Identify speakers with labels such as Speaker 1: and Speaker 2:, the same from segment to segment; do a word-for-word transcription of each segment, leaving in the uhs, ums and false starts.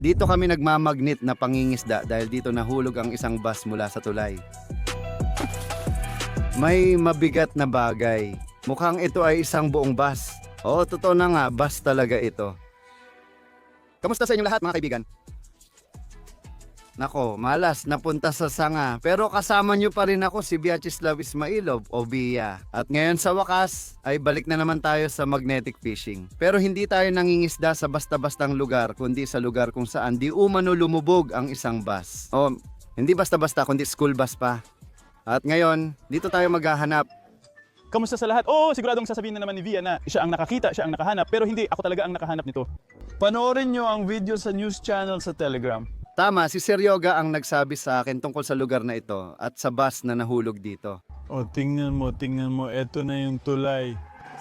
Speaker 1: Dito kami nagmamagnet na pangingisda dahil dito nahulog ang isang bus mula sa tulay. May mabigat na bagay. Mukhang ito ay isang buong bus. Oo, totoo na nga, bus talaga ito. Kamusta sa inyong lahat mga kaibigan? Nako, malas, napunta sa sanga. Pero kasama nyo pa rin ako si Vyacheslav Ismailov o Bia. At ngayon sa wakas, ay balik na naman tayo sa magnetic fishing. Pero hindi tayo nangingisda sa basta-bastang lugar, kundi sa lugar kung saan di umano lumubog ang isang bus. O, hindi basta-basta, kundi school bus pa. At ngayon, dito tayo maghahanap.
Speaker 2: Kamusta sa lahat? Oo, siguradong sasabihin na naman ni Via na siya ang nakakita, siya ang nakahanap. Pero hindi, ako talaga ang nakahanap nito.
Speaker 3: Panoorin nyo ang video sa news channel sa Telegram.
Speaker 1: Tama, si Sir Yoga ang nagsabi sa akin tungkol sa lugar na ito at sa bus na nahulog dito.
Speaker 3: O, tingnan mo, tingnan mo. Eto na yung tulay.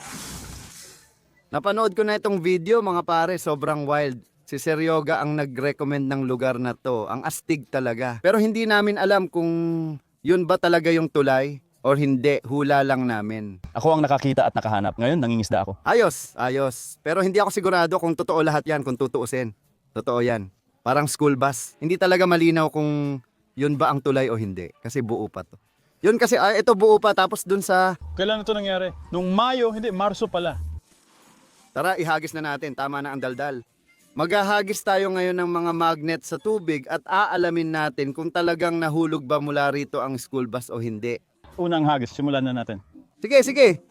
Speaker 1: Napanood ko na itong video mga pare, sobrang wild. Si Sir Yoga ang nag-recommend ng lugar na to. Ang astig talaga. Pero hindi namin alam kung yun ba talaga yung tulay or hindi, hula lang namin.
Speaker 2: Ako ang nakakita at nakahanap. Ngayon, nangingisda ako.
Speaker 1: Ayos, ayos. Pero hindi ako sigurado kung totoo lahat yan, kung tutuusin. Totoo yan. Parang school bus. Hindi talaga malinaw kung yun ba ang tulay o hindi. Kasi buo pa to. Yun kasi, ah, ito buo pa. Tapos dun sa...
Speaker 3: Kailan ito nangyari? Nung Mayo, hindi, Marso pala.
Speaker 1: Tara, ihagis na natin. Tama na ang daldal. Maghahagis tayo ngayon ng mga magnet sa tubig at aalamin natin kung talagang nahulog ba mula rito ang school bus o hindi.
Speaker 2: Unang hagis, simulan na natin.
Speaker 1: Sige, sige.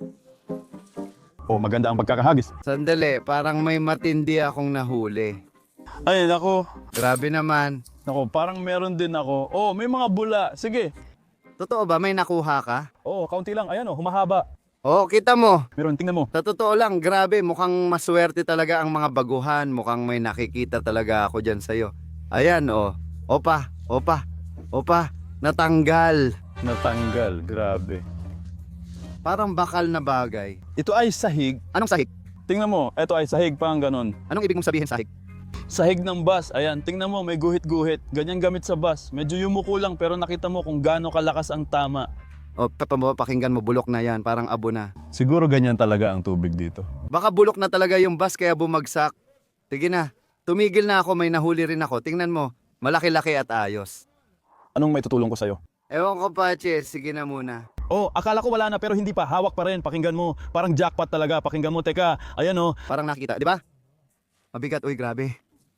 Speaker 2: Oh, maganda ang pagkakahagis.
Speaker 1: Sandali, parang may matindi akong nahuli.
Speaker 3: Ay, nako.
Speaker 1: Grabe naman.
Speaker 3: Nako, parang meron din ako. Oh, may mga bula. Sige.
Speaker 1: Totoo ba? May nakuha ka?
Speaker 2: Oo, kaunti lang. Ayan oh, humahaba.
Speaker 1: Oo, kita mo.
Speaker 2: Meron, tingnan mo.
Speaker 1: Sa totoo lang, grabe, mukhang maswerte talaga ang mga baguhan. Mukhang may nakikita talaga ako dyan sa'yo. Ayan, oh. Opa, opa, opa, natanggal.
Speaker 3: Natanggal. Grabe.
Speaker 1: Parang bakal na bagay.
Speaker 3: Ito ay sahig.
Speaker 1: Anong sahig?
Speaker 3: Tingnan mo, ito ay sahig pa ang ganon.
Speaker 1: Anong ibig mong sabihin sahig?
Speaker 3: Sahig ng bus. Ayan, tingnan mo, may guhit-guhit. Ganyan gamit sa bus. Medyo yumuko lang pero nakita mo kung gaano kalakas ang tama.
Speaker 1: O, papa, pakinggan mo, bulok na yan. Parang abo na.
Speaker 3: Siguro ganyan talaga ang tubig dito.
Speaker 1: Baka bulok na talaga yung bus kaya bumagsak. Sige na, tumigil na ako, may nahuli rin ako. Tingnan mo, malaki-laki at ayos.
Speaker 2: Anong may tutulong ko sa'yo?
Speaker 1: Ewan ko pa, Che, sige na muna.
Speaker 2: Oh, akala ko wala na pero hindi pa. Hawak pa rin. Pakinggan mo. Parang jackpot talaga. Pakinggan mo. Teka, ayan oh.
Speaker 1: Parang nakita, di ba? Mabigat, uy, grabe.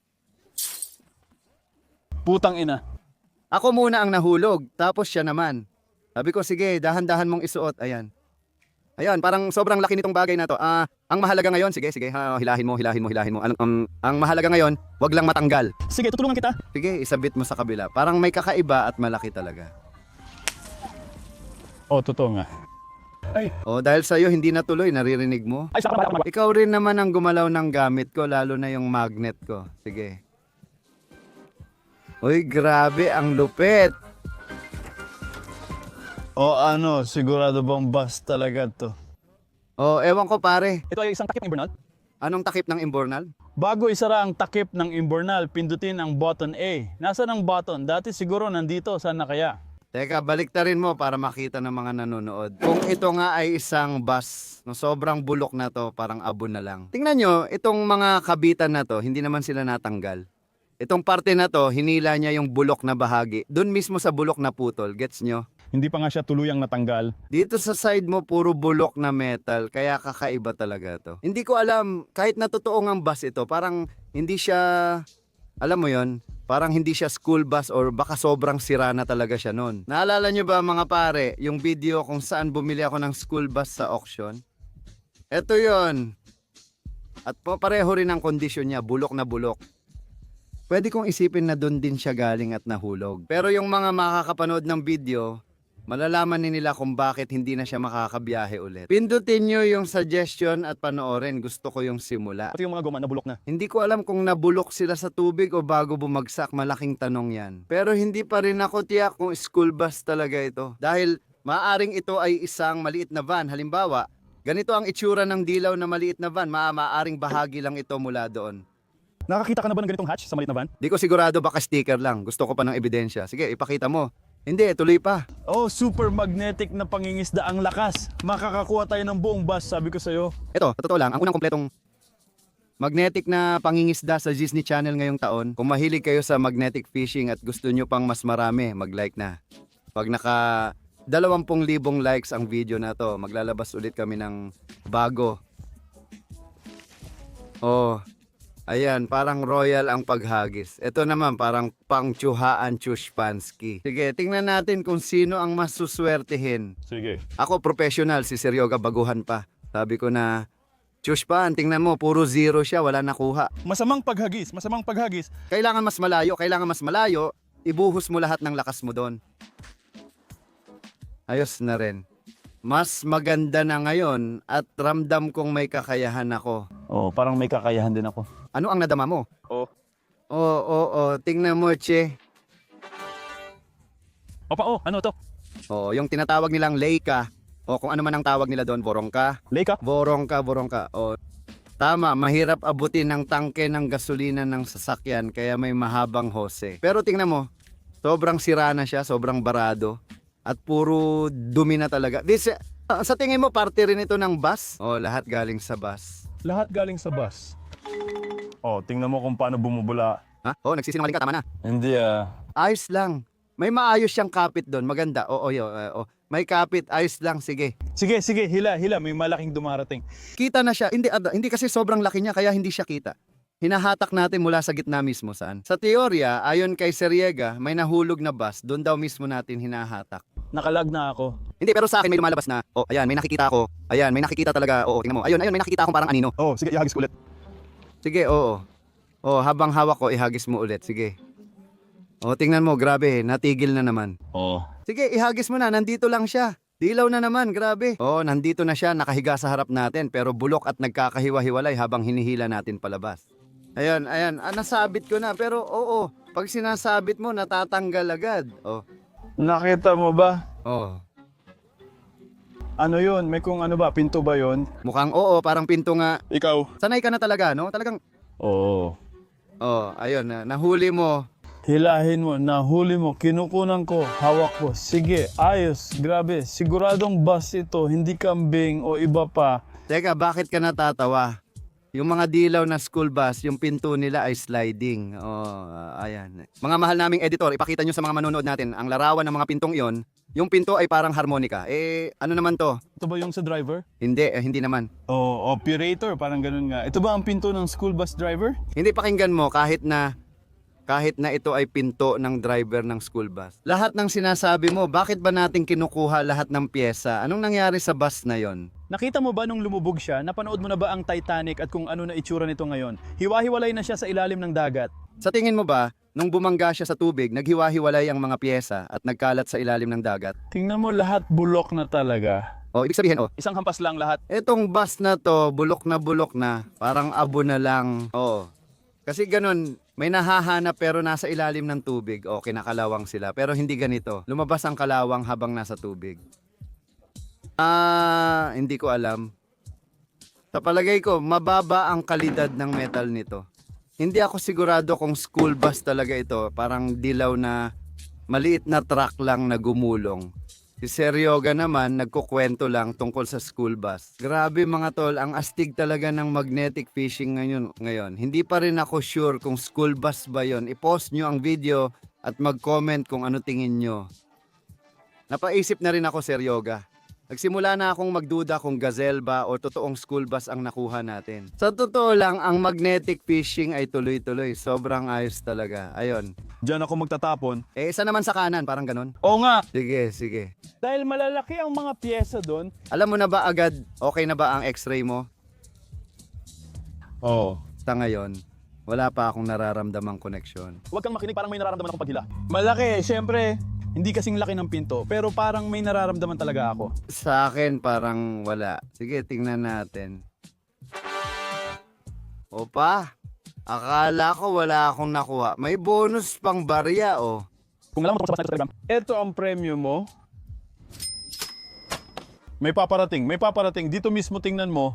Speaker 3: Putang ina.
Speaker 1: Ako muna ang nahulog, tapos siya naman. Sabi ko, sige, dahan-dahan mong isuot. Ayan. Ayan, parang sobrang laki nitong bagay na to. Ah, ang mahalaga ngayon, sige, sige, ha, hilahin mo, hilahin mo, hilahin mo. Ang, um, ang mahalaga ngayon, wag lang matanggal.
Speaker 2: Sige, tutulungan kita.
Speaker 1: Sige, isabit mo sa kabila. Parang may kakaiba at malaki talaga.
Speaker 3: Oh, totoo nga.
Speaker 1: O, dahil sa'yo hindi natuloy, naririnig mo?
Speaker 2: Ay, saka pala.
Speaker 1: Ikaw rin naman ang gumalaw ng gamit ko, lalo na yung magnet ko. Sige. Uy, grabe, ang lupit.
Speaker 3: O ano, sigurado bang bus talaga to?
Speaker 1: O, ewan ko pare,
Speaker 2: Ito ay isang takip ng Bernal.
Speaker 1: anong takip ng imbornal?
Speaker 3: Bago isara ang takip ng imbornal, pindutin ang button A. Nasaan ang button? Dati siguro nandito, sana kaya?
Speaker 1: Teka, baliktarin mo para makita ng mga nanonood. Kung ito nga ay isang bus, no, sobrang bulok na to, parang abo na lang. Tingnan nyo, itong mga kabitan na to, hindi naman sila natanggal. Itong parte na to, hinila niya yung bulok na bahagi. Doon mismo sa bulok na putol, gets nyo?
Speaker 2: Hindi pa nga siya tuluyang natanggal.
Speaker 1: Dito sa side mo, puro bulok na metal, kaya kakaiba talaga to. Hindi ko alam, kahit na totoo ang bus ito, parang hindi siya, alam mo yon, parang hindi siya school bus or baka sobrang sira na talaga siya noon. Naalala nyo ba mga pare, yung video kung saan bumili ako ng school bus sa auction? Ito yon. At po, pareho rin ang kondisyon niya, bulok na bulok. Pwede kong isipin na doon din siya galing at nahulog. Pero yung mga makakapanood ng video, malalaman din nila kung bakit hindi na siya makakabiyahe ulit. Pindutin nyo yung suggestion at panoorin. Gusto ko yung simula.
Speaker 2: Pati yung mga guma nabulok na.
Speaker 1: Hindi ko alam kung nabulok sila sa tubig o bago bumagsak. Malaking tanong yan. Pero hindi pa rin ako tiyak kung school bus talaga ito. Dahil maaring ito ay isang maliit na van. Halimbawa, ganito ang itsura ng dilaw na maliit na van. Ma maaring bahagi lang ito mula doon.
Speaker 2: Nakakita ka na ba ng ganitong hatch sa maliit na van?
Speaker 1: Di ko sigurado, baka sticker lang. Gusto ko pa ng ebidensya. Sige, ipakita mo. Hindi, tuloy pa.
Speaker 3: Oh, super magnetic na pangingisda ang lakas. Makakakuha tayo ng buong bus, sabi ko sa'yo.
Speaker 1: Ito, sa totoo lang, ang unang kompletong magnetic na pangingisda sa Disney Channel ngayong taon. Kung mahilig kayo sa magnetic fishing at gusto nyo pang mas marami, mag-like na. Pag naka dalawampung libong likes ang video na to, maglalabas ulit kami ng bago. Oh, ayan, parang royal ang paghagis. Ito naman, parang pangtsuhaan tsushpansky. Sige, tingnan natin kung sino ang mas suswertehin.
Speaker 2: Sige.
Speaker 1: Ako, professional, si Seryoga, baguhan pa. Sabi ko na, tsushpan, tingnan mo, puro zero siya, wala nakuha.
Speaker 2: Masamang paghagis, masamang paghagis.
Speaker 1: Kailangan mas malayo, kailangan mas malayo, ibuhos mo lahat ng lakas mo doon. Ayos na rin. Mas maganda na ngayon at ramdam kong may kakayahan ako.
Speaker 3: Oh, parang may kakayahan din ako.
Speaker 1: Ano ang nadama mo?
Speaker 2: Oh.
Speaker 1: Oo, oo, oo. Tingnan mo, Che.
Speaker 2: Opa, oh, ano to?
Speaker 1: Oo, yung tinatawag nilang Leica. O kung ano man ang tawag nila doon, borongka.
Speaker 2: Leica?
Speaker 1: Borongka, borongka. O, tama, mahirap abutin ng tangke ng gasolina ng sasakyan kaya may mahabang hose. Pero tingnan mo, sobrang sira na siya, sobrang barado. At puro dumi na talaga. This, uh, sa tingin mo, parte rin ito ng bus? O, lahat galing sa bus.
Speaker 2: Lahat galing sa bus. Oh, tingnan mo kung paano bumubula.
Speaker 1: Ha? O, nagsisinungaling ka, tama na.
Speaker 3: Hindi ah.
Speaker 1: Ayos lang. May maayos siyang kapit doon. Maganda. Oo, yo, uh, oh. May kapit. Ayos lang. Sige.
Speaker 2: Sige, sige, hila, hila. May malaking dumarating.
Speaker 1: Kita na siya. Hindi, ad- hindi kasi sobrang laki niya kaya hindi siya kita. Hinahatak natin mula sa gitna mismo saan. Sa teorya, ayon kay Seriega, may nahulog na bus. Doon daw mismo natin hinahatak.
Speaker 3: Nakalag na ako.
Speaker 1: Hindi, pero sa akin may lumalabas na. Oh, ayan, may nakikita ako. Ayan, may nakikita talaga. Oo, tingnan mo. Ayun, ayun, may nakikita akong parang anino.
Speaker 2: Oh, sige, ihagis ko ulit.
Speaker 1: Sige, oo. Oh, habang hawak ko, ihagis mo ulit. Sige. Oh, tingnan mo, grabe. Natigil na naman.
Speaker 3: Oh.
Speaker 1: Sige, ihagis mo na. Nandito lang siya. Dilaw na naman, grabe. Oh, nandito na siya, nakahiga sa harap natin, pero bulok at nagkakahiwa-hiwalay habang hinihila natin palabas. Ayan, ayan. Ah, nasabit ko na, pero oo. Pag sinasabit mo, natatanggal agad. Oh,
Speaker 3: Nakita mo ba?
Speaker 1: oh.
Speaker 2: Ano yun? May kung ano ba? Pinto ba yun?
Speaker 1: Mukhang oo, parang pinto nga.
Speaker 2: Ikaw?
Speaker 1: Sanay ka na talaga, no? Talagang,
Speaker 3: Oo.
Speaker 1: oh, ayun, na, nahuli mo.
Speaker 3: Hilahin mo, nahuli mo, kinukunan ko, hawak ko. Sige, ayos, grabe. Siguradong bus ito, hindi kambing o iba pa.
Speaker 1: Teka, bakit ka natatawa? Yung mga dilaw na school bus, yung pinto nila ay sliding. Oh, ah, ayan. Mga mahal naming editor, ipakita nyo sa mga manonood natin, ang larawan ng mga pintong iyon, yung pinto ay parang harmonica. Eh, ano naman to?
Speaker 2: Ito ba yung sa driver?
Speaker 1: Hindi, eh, hindi naman.
Speaker 2: Oh, operator, parang ganun nga. Ito ba ang pinto ng school bus driver?
Speaker 1: Hindi pakinggan mo kahit na kahit na ito ay pinto ng driver ng school bus. Lahat ng sinasabi mo, bakit ba natin kinukuha lahat ng pyesa? Anong nangyari sa bus na yon?
Speaker 2: Nakita mo ba nung lumubog siya? Napanood mo na ba ang Titanic at kung ano na itsura nito ngayon? Hiwa-hiwalay na siya sa ilalim ng dagat.
Speaker 1: Sa tingin mo ba, nung bumangga siya sa tubig, naghiwa-hiwalay ang mga pyesa at nagkalat sa ilalim ng dagat?
Speaker 3: Tingnan mo, lahat bulok na talaga.
Speaker 1: O, ibig sabihin, oh,
Speaker 2: Isang hampas lang lahat.
Speaker 1: etong bus na to, bulok na bulok na, parang abo na lang. Oo. Kasi ganun, may nahahanap pero nasa ilalim ng tubig. O, kinakalawang sila. Pero hindi ganito. Lumabas ang kalawang habang nasa tubig. Ah, hindi ko alam. Sa palagay ko, mababa ang kalidad ng metal nito. Hindi ako sigurado kung school bus talaga ito. Parang dilaw na maliit na truck lang na gumulong. Si Seryoga naman, nagkukwento lang tungkol sa school bus. Grabe mga tol, ang astig talaga ng magnetic fishing ngayon. ngayon. Hindi pa rin ako sure kung school bus ba yon. I-post nyo ang video at mag-comment kung ano tingin nyo. Napaisip na rin ako, Seryoga. Nagsimula na akong magduda kung gazelle ba o totoong school bus ang nakuha natin. Sa totoo lang, ang magnetic fishing ay tuloy-tuloy. Sobrang ayos talaga. Ayon.
Speaker 2: Diyan ako magtatapon.
Speaker 1: Eh, isa naman sa kanan, parang ganun.
Speaker 2: Oo nga.
Speaker 1: Sige, sige.
Speaker 3: Dahil malalaki ang mga pyesa doon.
Speaker 1: Alam mo na ba agad, okay na ba ang x-ray mo?
Speaker 2: Oo.
Speaker 1: Sa ngayon, wala pa akong nararamdamang koneksyon.
Speaker 2: Huwag kang makinig, parang may nararamdaman akong paghila.
Speaker 3: Malaki, syempre.
Speaker 2: Hindi kasing laki ng pinto, pero parang may nararamdaman talaga ako.
Speaker 1: Sa akin, parang wala. Sige, tingnan natin. Opa, akala ko wala akong nakuha. May bonus pang barya, oh.
Speaker 2: Kung alam mo tungkol sa bus na ito sa Telegram,
Speaker 3: Ito ang premyo mo.
Speaker 2: may paparating, may paparating. Dito mismo tingnan mo.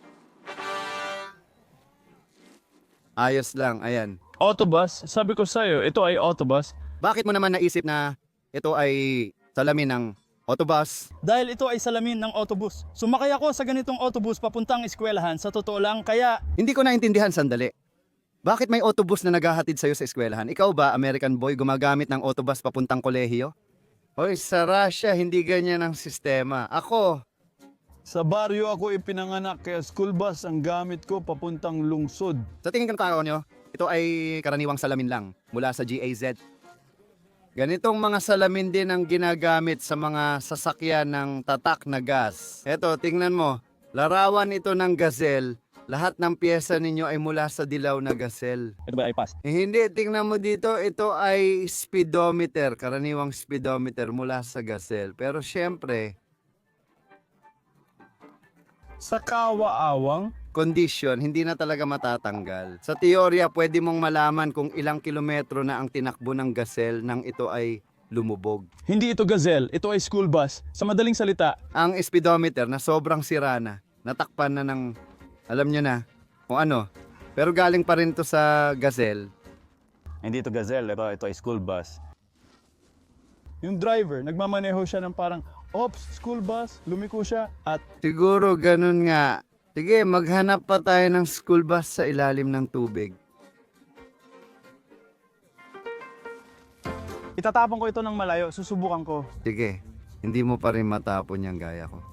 Speaker 1: Ayos lang, ayan.
Speaker 3: Autobus, sabi ko sa'yo, ito ay autobus.
Speaker 1: Bakit mo naman naisip na ito ay salamin ng Autobus.
Speaker 2: Dahil ito ay salamin ng autobus. Sumakay ako sa ganitong autobus papuntang eskwelahan. Sa totoo lang, kaya
Speaker 1: Hindi ko naintindihan, sandali. Bakit may autobus na naghahatid sa'yo sa eskwelahan? Ikaw ba, American boy, gumagamit ng autobus papuntang kolehiyo? Hoy, sa Russia, hindi ganyan ang sistema. Ako,
Speaker 3: Sa baryo ako ipinanganak kaya school bus ang gamit ko papuntang lungsod.
Speaker 1: sa tingin ko nyo, ito ay karaniwang salamin lang mula sa G A Z. Ganitong mga salamin din ang ginagamit sa mga sasakyan ng tatak na gas. Eto, tingnan mo, larawan ito ng gazelle. Lahat ng pyesa ninyo ay mula sa dilaw na gazelle.
Speaker 2: ito ba ay pass?
Speaker 1: Eh, hindi, tingnan mo dito, ito ay speedometer, karaniwang speedometer mula sa gazelle. Pero syempre,
Speaker 3: Sa kawaawang,
Speaker 1: condition, hindi na talaga matatanggal. Sa teorya, pwede mong malaman kung ilang kilometro na ang tinakbo ng gazelle nang ito ay lumubog.
Speaker 2: Hindi ito gazelle, ito ay school bus. Sa madaling salita,
Speaker 1: Ang speedometer na sobrang sira na, natakpan na ng, alam nyo na, kung ano. Pero galing pa rin to sa gazelle.
Speaker 2: hindi ito gazelle, ito, ito ay school bus. Yung driver, nagmamaneho siya ng parang, ops, school bus, lumiko siya at
Speaker 1: Siguro ganun nga. Sige, maghanap pa tayo ng school bus sa ilalim ng tubig.
Speaker 2: itatapon ko ito ng malayo, susubukan ko.
Speaker 1: Sige, hindi mo pa rin matapon yung gaya ko.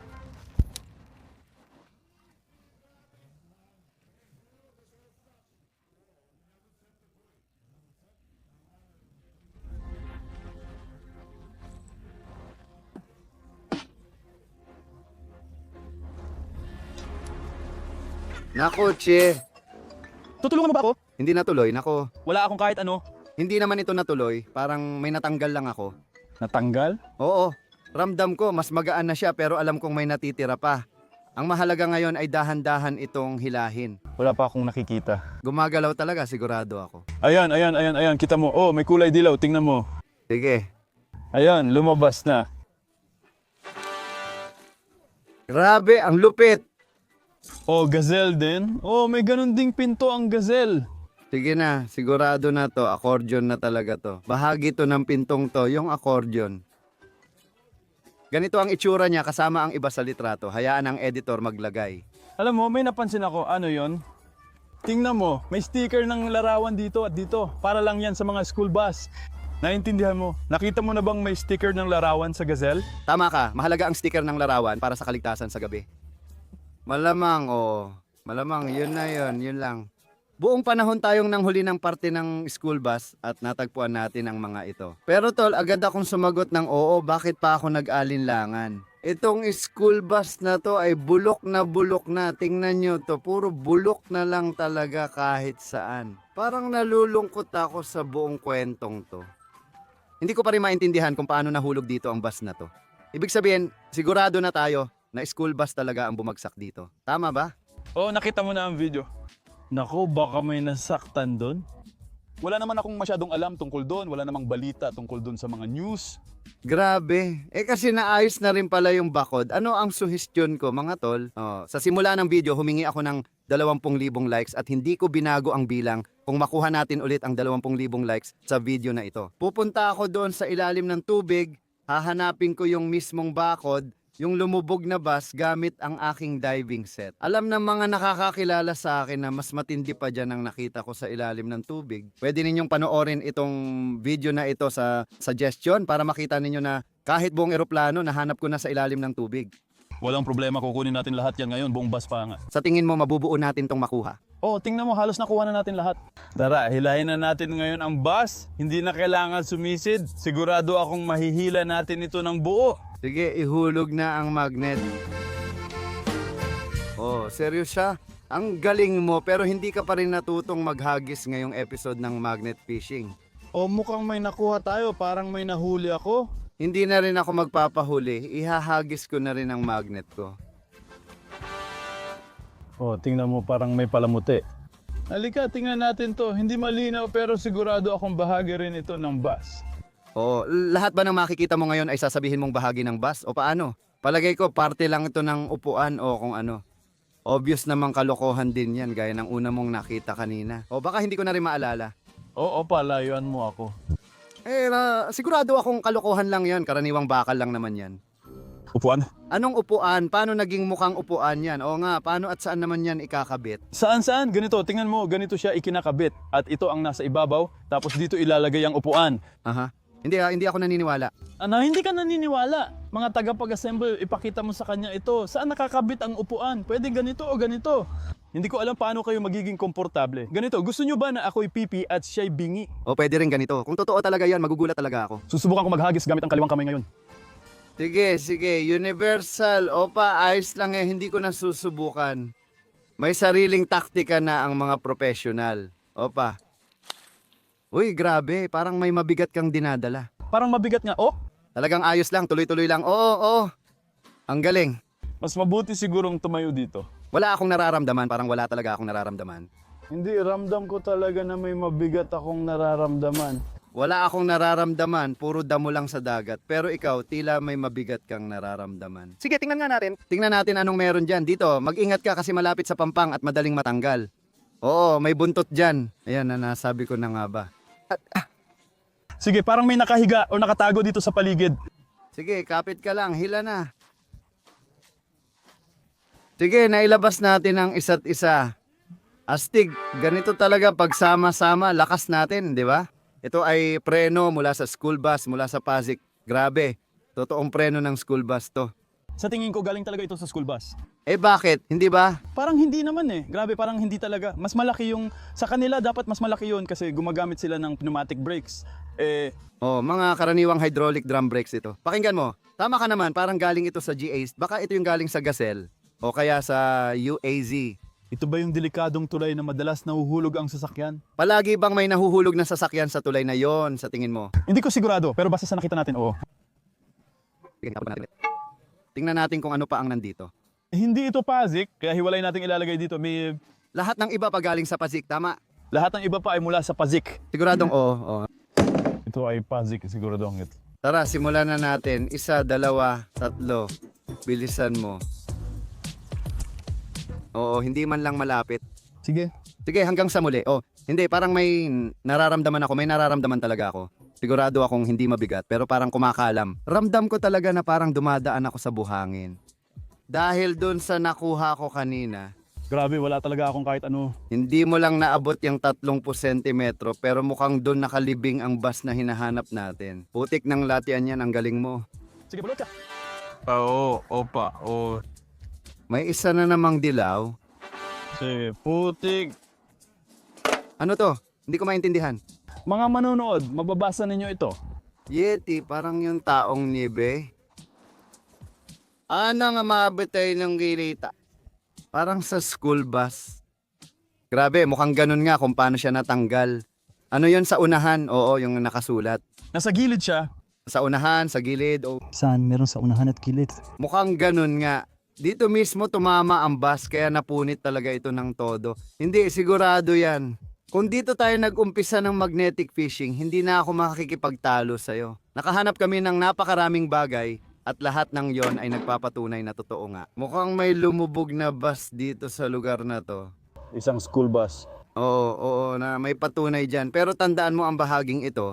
Speaker 1: Nako, Che.
Speaker 2: Tutulungan mo ba ako?
Speaker 1: Hindi natuloy. Nako,
Speaker 2: Wala akong kahit ano.
Speaker 1: hindi naman ito natuloy. Parang may natanggal lang ako.
Speaker 2: Natanggal?
Speaker 1: Oo, ramdam ko mas magaan na siya pero alam kong may natitira pa. Ang mahalaga ngayon ay dahan-dahan itong hilahin.
Speaker 2: Wala pa akong nakikita.
Speaker 1: Gumagalaw talaga, sigurado ako.
Speaker 3: ayan, ayan, ayan, ayan, kita mo. Oh, may kulay dilaw, tingnan mo.
Speaker 1: Sige.
Speaker 3: Ayan, lumabas na.
Speaker 1: Grabe, ang lupit.
Speaker 3: Oh, gazelle din. Oh, may ganun ding pinto ang gazelle.
Speaker 1: Sige na, sigurado na to. Accordion na talaga to. Bahagi to ng pintong to, yung accordion. Ganito ang itsura niya kasama ang iba sa litrato. Hayaan ang editor maglagay.
Speaker 3: Alam mo, may napansin ako. Ano yon? Tingnan mo, may sticker ng larawan dito at dito. Para lang yan sa mga school bus. Naintindihan mo? Nakita mo na bang may sticker ng larawan sa gazelle?
Speaker 1: Tama ka, mahalaga ang sticker ng larawan para sa kaligtasan sa gabi. Malamang, oh. Malamang, yun na yun, yun lang. Buong panahon tayong nanghuli ng parte ng school bus at natagpuan natin ang mga ito. Pero tol, agad akong sumagot ng oo, bakit pa ako nag-alinlangan? Itong school bus na to ay bulok na bulok na. Tingnan nyo to, puro bulok na lang talaga kahit saan. Parang nalulungkot ako sa buong kwentong to. Hindi ko pa rin maintindihan kung paano nahulog dito ang bus na to. Ibig sabihin, sigurado na tayo na school bus talaga ang bumagsak dito. Tama ba?
Speaker 3: Oh, nakita mo na ang video. Nako, baka may nasaktan doon.
Speaker 2: Wala naman akong masyadong alam tungkol doon. Wala namang balita tungkol doon sa mga news.
Speaker 1: Grabe. Eh kasi naayos na rin pala yung bakod. Ano ang suhestyon ko mga tol? Oh, sa simula ng video, humingi ako ng dalawampu libong likes at hindi ko binago ang bilang kung makuha natin ulit ang dalawampu libong likes sa video na ito. Pupunta ako doon sa ilalim ng tubig, hahanapin ko yung mismong bakod, yung lumubog na bus gamit ang aking diving set. Alam ng mga nakakakilala sa akin na mas matindi pa dyan ang nakita ko sa ilalim ng tubig. Pwede ninyong panoorin itong video na ito sa suggestion para makita ninyo na kahit buong eroplano nahanap ko na sa ilalim ng tubig.
Speaker 2: Walang problema, kukunin natin lahat yan ngayon. Buong bus pa nga.
Speaker 1: Sa tingin mo mabubuo natin tong makuha?
Speaker 2: Oh, tingnan mo, halos nakuha na natin lahat.
Speaker 3: Tara, hilahin na natin ngayon ang bus. Hindi na kailangan sumisid. Sigurado akong mahihila natin ito ng buo.
Speaker 1: Sige, ihulog na ang magnet. Oh, seryo siya? Ang galing mo pero hindi ka pa rin natutong maghagis ngayong episode ng magnet fishing.
Speaker 3: O mukhang may nakuha tayo, parang may nahuli ako.
Speaker 1: Hindi na rin ako magpapahuli, ihahagis ko na rin ang magnet ko.
Speaker 3: O, tingnan mo, parang may palamuti. Halika, tingnan natin to. Hindi malinaw pero sigurado akong bahagi rin ito ng bus.
Speaker 1: Oh, lahat ba ng makikita mo ngayon ay sasabihin mong bahagi ng bus o paano? Palagay ko parte lang ito ng upuan o kung ano. Obvious namang kalokohan din yan gaya ng una mong nakita kanina. O baka hindi ko na rin maalala.
Speaker 3: Oo, palayuan mo ako.
Speaker 1: Eh, na, sigurado akong kalokohan lang yan. Karaniwang bakal lang naman yan.
Speaker 3: Upuan?
Speaker 1: Anong upuan? Paano naging mukhang upuan yan? O nga, paano at saan naman yan ikakabit?
Speaker 3: Saan saan? Ganito, tingnan mo, ganito siya ikinakabit. At ito ang nasa ibabaw, tapos dito ilalagay ang upuan.
Speaker 1: Aha. Hindi, ah, hindi ako naniniwala.
Speaker 3: Ano, hindi ka naniniwala. Mga tagapag-assemble, ipakita mo sa kanya ito. Saan nakakabit ang upuan? Pwede ganito o ganito. Hindi ko alam paano kayo magiging komportable. Ganito, gusto nyo ba na ako'y pipi at siya'y bingi?
Speaker 1: O pwede rin ganito. Kung totoo talaga yan, magugulat talaga ako.
Speaker 3: Susubukan ko maghagis gamit ang kaliwang kamay ngayon.
Speaker 1: Sige, sige. Universal. Opa, ayos lang eh. Hindi ko na susubukan. May sariling taktika na ang mga professional. Opa. Uy, grabe. Parang may mabigat kang dinadala.
Speaker 3: Parang mabigat nga. Oh,
Speaker 1: Talagang ayos lang. Tuloy-tuloy lang. Oo, oo. Ang galing.
Speaker 3: mas mabuti sigurong tumayo dito.
Speaker 1: Wala akong nararamdaman. Parang wala talaga akong nararamdaman.
Speaker 3: Hindi, ramdam ko talaga na may mabigat akong nararamdaman.
Speaker 1: Wala akong nararamdaman. Puro damo lang sa dagat. Pero ikaw, tila may mabigat kang nararamdaman. Sige, tingnan nga natin. Tingnan natin anong meron dyan. Dito, mag-ingat ka kasi malapit sa pampang at madaling matanggal. Oo, may buntot dyan. Ayan na nasabi ko na nga ba.
Speaker 3: Sige, parang may nakahiga o nakatago dito sa paligid.
Speaker 1: Sige, kapit ka lang. Hila na. Sige, nailabas natin ang isa't isa. Astig, ganito talaga pagsama-sama, lakas natin, di ba? Ito ay preno mula sa school bus, mula sa Pasig. Grabe, totoong preno ng school bus to.
Speaker 3: Sa tingin ko, galing talaga ito sa school bus.
Speaker 1: Eh bakit? Hindi ba?
Speaker 3: Parang hindi naman eh. Grabe, parang hindi talaga. Mas malaki yung, sa kanila dapat mas malaki yun kasi gumagamit sila ng pneumatic brakes. Eh,
Speaker 1: Oh, mga karaniwang hydraulic drum brakes ito. Pakinggan mo, tama ka naman, parang galing ito sa G A S. Baka ito yung galing sa Gazelle o kaya sa U A Z.
Speaker 3: ito ba yung delikadong tulay na madalas nahuhulog ang sasakyan?
Speaker 1: Palagi bang may nahuhulog na sasakyan sa tulay na yon sa tingin mo?
Speaker 3: Hindi ko sigurado, pero basta sa nakita natin, oo.
Speaker 1: Sige, tapon natin. Tingnan natin kung ano pa ang nandito.
Speaker 3: Eh, hindi ito Pasig, kaya hiwalay natin ilalagay dito. May,
Speaker 1: Lahat ng iba pa galing sa Pasig, tama?
Speaker 3: lahat ng iba pa ay mula sa Pasig.
Speaker 1: Siguradong oo. oo.
Speaker 3: Ito ay Pasig, siguradong ito.
Speaker 1: Tara, simulan na natin. Isa, dalawa, tatlo. Bilisan mo. Oo, hindi man lang malapit.
Speaker 3: Sige.
Speaker 1: Sige, hanggang sa muli. Oh, hindi, parang may nararamdaman ako. May nararamdaman talaga ako. Sigurado akong hindi mabigat, pero parang kumakalam. Ramdam ko talaga na parang dumadaan ako sa buhangin. Dahil dun sa nakuha ko kanina,
Speaker 3: Grabe, wala talaga akong kahit ano.
Speaker 1: hindi mo lang naabot yung tatlong sentimetro, pero mukhang dun nakalibing ang bus na hinahanap natin. Putik ng latian yan, ang galing mo.
Speaker 3: Sige, balot ka.
Speaker 2: Oo, opa, oo.
Speaker 1: May isa na namang dilaw.
Speaker 3: Sige, putik.
Speaker 1: Ano to? Hindi ko maintindihan.
Speaker 3: Mga manonood, mababasa ninyo ito.
Speaker 1: Yeti, parang yung taong nibe. Ano nga mabitay ng gilita? Parang sa school bus. Grabe, mukhang ganun nga kung paano siya natanggal. Ano yon sa unahan? Oo, yung nakasulat.
Speaker 3: Nasa gilid siya.
Speaker 1: Sa unahan, sa gilid, o
Speaker 3: Saan? Meron sa unahan at gilid.
Speaker 1: mukhang ganun nga. Dito mismo tumama ang bus kaya napunit talaga ito ng todo. Hindi, sigurado yan. Kung dito tayo nag-umpisa ng magnetic fishing, hindi na ako makikipagtalo sa'yo. Nakahanap kami ng napakaraming bagay at lahat ng yon ay nagpapatunay na totoo nga. Mukhang may lumubog na bus dito sa lugar na to.
Speaker 3: Isang school bus.
Speaker 1: Oo, oo, na may patunay dyan. Pero tandaan mo ang bahaging ito.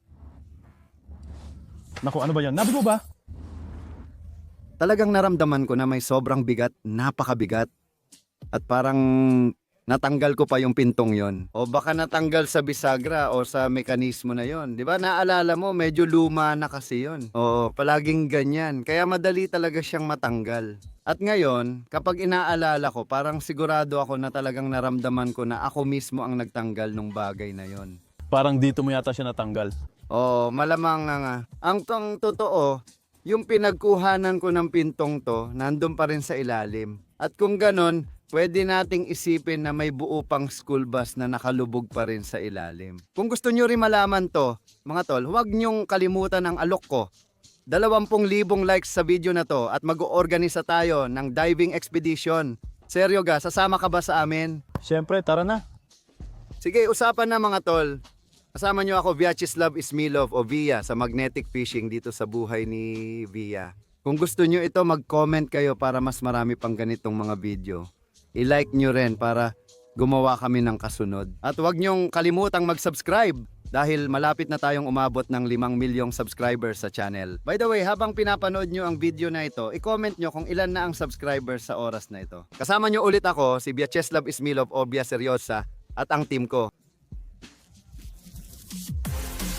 Speaker 3: Naku, ano ba yan? Nabigo ba?
Speaker 1: Talagang naramdaman ko na may sobrang bigat, napakabigat. At parang natanggal ko pa yung pintong yon. O baka natanggal sa bisagra o sa mekanismo na yon. Di ba? Naalala mo, medyo luma na kasi yon. Oo, palaging ganyan. Kaya madali talaga siyang matanggal. At ngayon, kapag inaalala ko, parang sigurado ako na talagang naramdaman ko na ako mismo ang nagtanggal ng bagay na yon.
Speaker 3: Parang dito mo yata siya natanggal.
Speaker 1: Oo, malamang nga nga. Ang tong totoo, yung pinagkuhanan ko ng pintong to, nandun pa rin sa ilalim. At kung ganon, pwede nating isipin na may buo pang school bus na nakalubog pa rin sa ilalim. Kung gusto nyo rin malaman to, mga tol, huwag nyong kalimutan ang alok ko. Dalawampung libong likes sa video na to at mag-oorganisa tayo ng diving expedition. Seryo ga, sasama ka ba sa amin?
Speaker 3: Siyempre, tara na.
Speaker 1: Sige, usapan na mga tol. Kasama nyo ako, Vyacheslav Ismilov o Via sa magnetic fishing dito sa buhay ni Via. Kung gusto nyo ito, mag-comment kayo para mas marami pang ganitong mga video. I-like nyo rin para gumawa kami ng kasunod. At huwag nyong kalimutang mag-subscribe. dahil malapit na tayong umabot ng limang milyong subscribers sa channel. By the way, habang pinapanood nyo ang video na ito, i-comment nyo kung ilan na ang subscribers sa oras na ito. Kasama nyo ulit ako, si Vyacheslav Ismilov o Vya Seryosa at ang team ko.